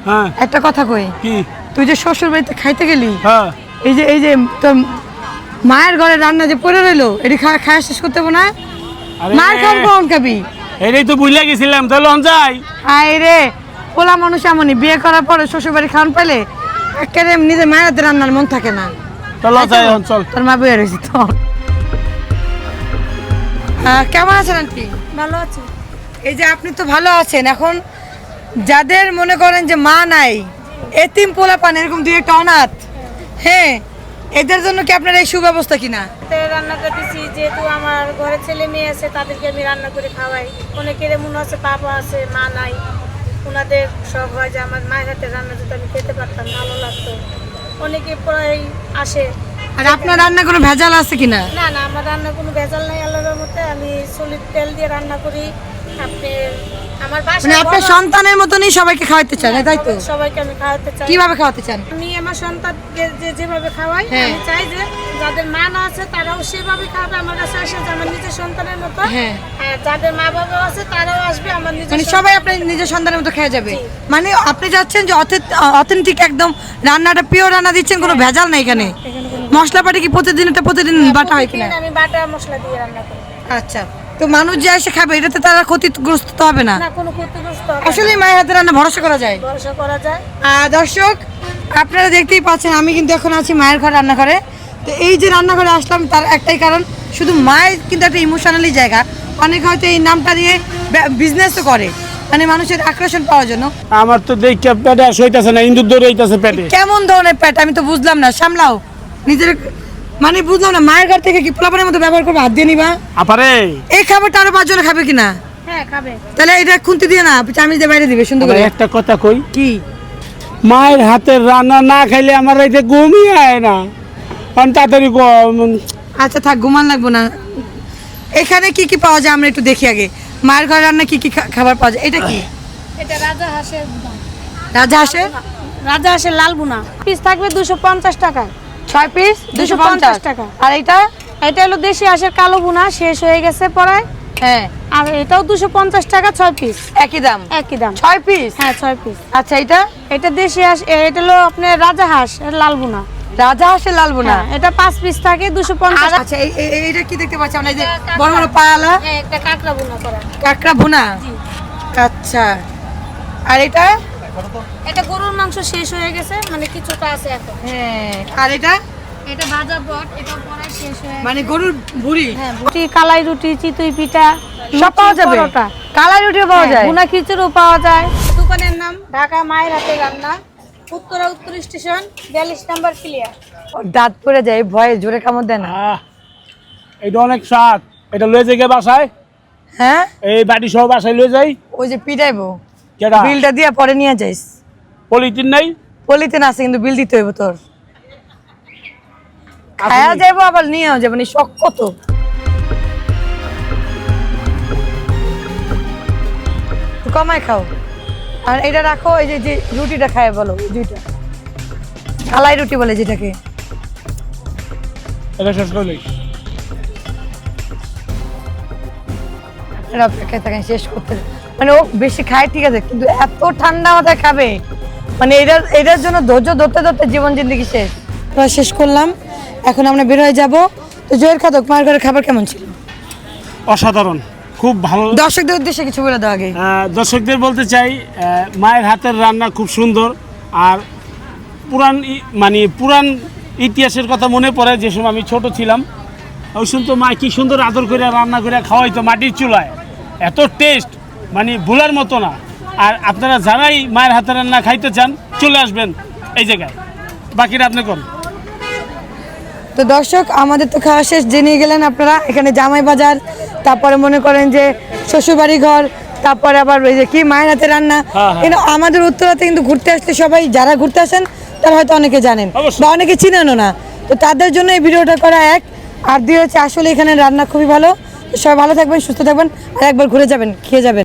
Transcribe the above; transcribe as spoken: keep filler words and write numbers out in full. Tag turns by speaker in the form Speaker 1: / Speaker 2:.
Speaker 1: হ্যাঁ
Speaker 2: একটা কথা কই
Speaker 1: কি
Speaker 2: তুই যে শ্বশুর বাড়িতে খাইতে গেলি
Speaker 1: হ্যাঁ
Speaker 2: এই যে এই যে তোর মায়ের ঘরে রান্না যে পড়ে রইলো এটি খাওয়া খাওয়া শেষ করতে হবে না মার খান কোন খাবি
Speaker 1: এটাই তো বুঝলে গেছিলাম তাহলে অন যাই
Speaker 2: হাই রে পোলা মানুষ এমনই বিয়ে করার পরে শ্বশুর বাড়ি খাওয়ান পেলে একেবারে নিজের মায়ের হাতে রান্নার মন থাকে না
Speaker 1: চলো যাই চল
Speaker 2: তোর মা বইয়া রয়েছি তো কেমন আছেন আন্টি
Speaker 3: ভালো আছি।
Speaker 2: এই যে আপনি তো ভালো আছেন এখন যাদের মনে করেন যে মা নাই এতিম পোলা পান এরকম দুই একটা অনাথ হ্যাঁ এদের জন্য কি আপনার এই সুব্যবস্থা কিনা
Speaker 3: রান্না করতেছি যেহেতু আমার ঘরে ছেলে মেয়ে আছে তাদেরকে আমি রান্না করে খাওয়াই। অনেকের এমন আছে বাবা আছে মা নাই, ওনাদের সব হয় যে আমার মায়ের হাতে রান্না যদি আমি খেতে পারতাম ভালো লাগতো। অনেকে প্রায় আসে।
Speaker 2: আর আপনার রান্না কোনো ভেজাল আছে কিনা?
Speaker 3: না না আমার রান্না কোনো ভেজাল নাই আল্লাহর মতে। আমি সলিড তেল দিয়ে রান্না করি। আপনি আমার বাসায়
Speaker 2: মানে আপনার সন্তানের মতনই সবাইকে খাওয়াতে চান তাই তো?
Speaker 3: সবাইকে আমি খাওয়াতে চাই।
Speaker 2: কিভাবে খাওয়াতে চান?
Speaker 3: আমি আমার সন্তানকে যে যেভাবে খাওয়াই আমি চাই যে যাদের মা না আছে তারাও সেভাবে খাবে আমার কাছে আসে যে আমার নিজের সন্তানের মতো।
Speaker 2: হ্যাঁ
Speaker 3: আর যাদের মা বাবা আছে তারাও আসবে আমার নিজের
Speaker 2: মানে সবাই আপনার নিজের সন্তানের মতো খেয়ে যাবে। মানে আপনি যাচ্ছেন যে অথেন্টিক একদম রান্নাটা পিওর রান্না দিচ্ছেন, কোনো ভেজাল নাই এখানে। মশলাপাটি কি প্রতিদিন এটা প্রতিদিন বাটা হয় কিনা?
Speaker 3: আমি বাটা মশলা দিয়ে রান্না করি।
Speaker 2: আচ্ছা তো মানুষ যে এসে খাবে এটাতে তারা ক্ষতিগ্রস্ত তো হবে না?
Speaker 3: না কোনো ক্ষতিগ্রস্ত হবে না।
Speaker 2: আসলে মায়ের হাতে রান্না ভরসা করা যায়।
Speaker 3: ভরসা করা যায়।
Speaker 2: আর দর্শক আপনারা দেখতেই পাচ্ছেন আমি কিন্তু এখন আছি মায়ের ঘর রান্নাঘরে। তো এই যে রান্নাঘরে আসলাম তার একটাই কারণ, শুধু মায়ের কিন্তু একটা ইমোশনালি জায়গা। অনেকে হয়তো এই নামটা নিয়ে বিজনেসও করে, মানে মানুষের আকর্ষণ পাওয়ার জন্য।
Speaker 1: আমার তো দেখে পেটে সইতাছে না, ইন্দুর দৌড় হইতাছে পেটে।
Speaker 2: কেমন ধরনের পেট আমি তো বুঝলাম না, সামলাও নিজের। মানে বুঝলাম না মায়ের ঘর থেকে কি পোলাপানের মতো ব্যবহার করবে, হাত দিয়ে নিবা?
Speaker 1: আপারে
Speaker 2: এই খাবারটা আরো পাঁচজনে খাবে কিনা?
Speaker 3: হ্যাঁ খাবে।
Speaker 2: তাহলে এটা খুন্তি দিয়ে না চামিচ দিয়ে বাইরে দিবে সুন্দর করে।
Speaker 1: একটা কথা কই
Speaker 2: কি
Speaker 1: মায়ের হাতের রান্না না খাইলে আমার রাইতে ঘুমই আয় না। কারণ তাড়াতাড়ি
Speaker 2: আচ্ছা থাক ঘুমান লাগবো না। এখানে কি কি পাওয়া যায় আমরা একটু দেখি আগে। মায়ের ঘর রান্না কি কি খাবার পাওয়া যায়? এটা কি?
Speaker 3: এটা রাজা হাঁসের বুনা।
Speaker 2: রাজা হাঁসের
Speaker 3: রাজা হাঁসের লাল বুনা পিস থাকবে দুশো পঞ্চাশ টাকা।
Speaker 2: ছয় পিস দুশো পঞ্চাশ
Speaker 3: টাকা।
Speaker 2: আর এটা
Speaker 3: এটা হলো দেশি হাঁসের কালো বুনা, শেষ হয়ে গেছে পড়ায়।
Speaker 2: হ্যাঁ
Speaker 3: আর এটাও দুশো পঞ্চাশ টাকা, ছয় পিস
Speaker 2: একই দাম।
Speaker 3: একই দাম
Speaker 2: ছয় পিস?
Speaker 3: হ্যাঁ ছয় পিস।
Speaker 2: আচ্ছা এটা
Speaker 3: এটা দেশি হাঁস, এটা হলো আপনার রাজা হাঁস এর লাল বুনা।
Speaker 2: রাজা হাঁসের লাল বোনা,
Speaker 3: এটা পাঁচ পিস থাকে দুশো পঞ্চাশ।
Speaker 2: আচ্ছা এই এই- এইটা কি দেখতে পাচ্ছি আমরা? এই যে বড় বড় পায়ালা
Speaker 3: হ্যাঁ একটা কাঁকড়া বুনা করা।
Speaker 2: কাঁকড়া ভুনা। আচ্ছা আর এটা?
Speaker 3: এটা গরুর মাংস শেষ হয়ে গেছে, মানে কিছুটা আছে এখন।
Speaker 2: হ্যাঁ আর এটা?
Speaker 3: এটা ভাজা বট, এটা পড়ায় শেষ হয়ে
Speaker 2: মানে গরুর ভুড়ি।
Speaker 3: হ্যাঁ রুটি, কালাই রুটি, চিতই পিঠা
Speaker 2: সব পাওয়া যাবে?
Speaker 3: পরোটা,
Speaker 2: কালাই রুটিও পাওয়া যায়?
Speaker 3: ভুনা খিচুড়িও পাওয়া যায়। দোকানের নাম ঢাকা মায়ের হাতে রান্না, উত্তরা উত্তর স্টেশন, বিয়াল্লিশ নাম্বার ক্লিয়ার।
Speaker 2: দাঁত পড়ে যায় ভয়ে, জোরে কামড় দেয় না?
Speaker 1: আহ, এটা অনেক স্বাদ। এটা লয়ে যাই গে বাসায়,
Speaker 2: হ্যাঁ
Speaker 1: এই বাড়ি সহ বাসায় লয়ে যাই।
Speaker 2: ওই যে পিটাইবো
Speaker 1: কেডা
Speaker 2: বিলটা দিয়ে পরে নিয়ে যাইস।
Speaker 1: পলিথিন নাই?
Speaker 2: পলিথিন আছে কিন্তু বিল দিতে হইব তোর। খায়া যাইবো আবার নিয়েও যাবো, শখ কত। কমায় খাও। আর এটা রাখো, এই যে যে রুটিটা খায় বলো, এই দুইটা কালাই রুটি বলে যেটাকে।
Speaker 1: এটা শেষ করলেই
Speaker 2: এরা অপেক্ষায় থাকেন শেষ করতে। মানে ও বেশি খায় ঠিক আছে, কিন্তু এত ঠান্ডা মাথায় খাবে, মানে এটার এটার জন্য ধৈর্য ধরতে ধরতে জীবন জিন্দগি শেষ। আমরা শেষ করলাম, এখন আমরা বের হয়ে যাবো। তো জয়ের খাদক মায়ের ঘরের খাবার কেমন ছিল?
Speaker 1: অসাধারণ, খুব ভালো।
Speaker 2: দর্শকদের উদ্দেশ্যে কিছু বলে দাও আগে।
Speaker 1: আহ, দর্শকদের বলতে চাই আহ, মায়ের হাতের রান্না খুব সুন্দর। আর পুরান ই- মানে পুরান ইতিহাসের কথা মনে পড়ে, যে সময় আমি ছোট ছিলাম ওই শুনতো মা কি সুন্দর আদর করে রান্না করে খাওয়াইতো মাটির চুলায়, এত টেস্ট মানে ভোলার মতো না। আর আপনারা যারাই মায়ের হাতের রান্না খাইতে চান চলে আসবেন এই জায়গায়, বাকিটা আপনি করুন।
Speaker 2: তো দর্শক আমাদের তো খাওয়া শেষ, জেনে গেলেন আপনারা। এখানে জামাই বাজার, তারপরে মনে করেন যে শ্বশুরবাড়ি ঘর, তারপরে আবার ওই যে কি মায়ের হাতে রান্না।
Speaker 1: হ্যাঁ, হ্যাঁ।
Speaker 2: কিন্তু আমাদের উত্তরাতে কিন্তু ঘুরতে আসলে সবাই যারা ঘুরতে আসেন তারা হয়তো অনেকে জানেন
Speaker 1: অবশ্যই।
Speaker 2: বা অনেকে চিনেনও না। তো তাদের জন্য এই ভিডিওটা করা এক। আর দুই হচ্ছে আসলে এখানে রান্না খুবই ভালো। তো সবাই ভালো থাকবেন, সুস্থ থাকবেন, আর একবার ঘুরে যাবেন, খেয়ে যাবেন।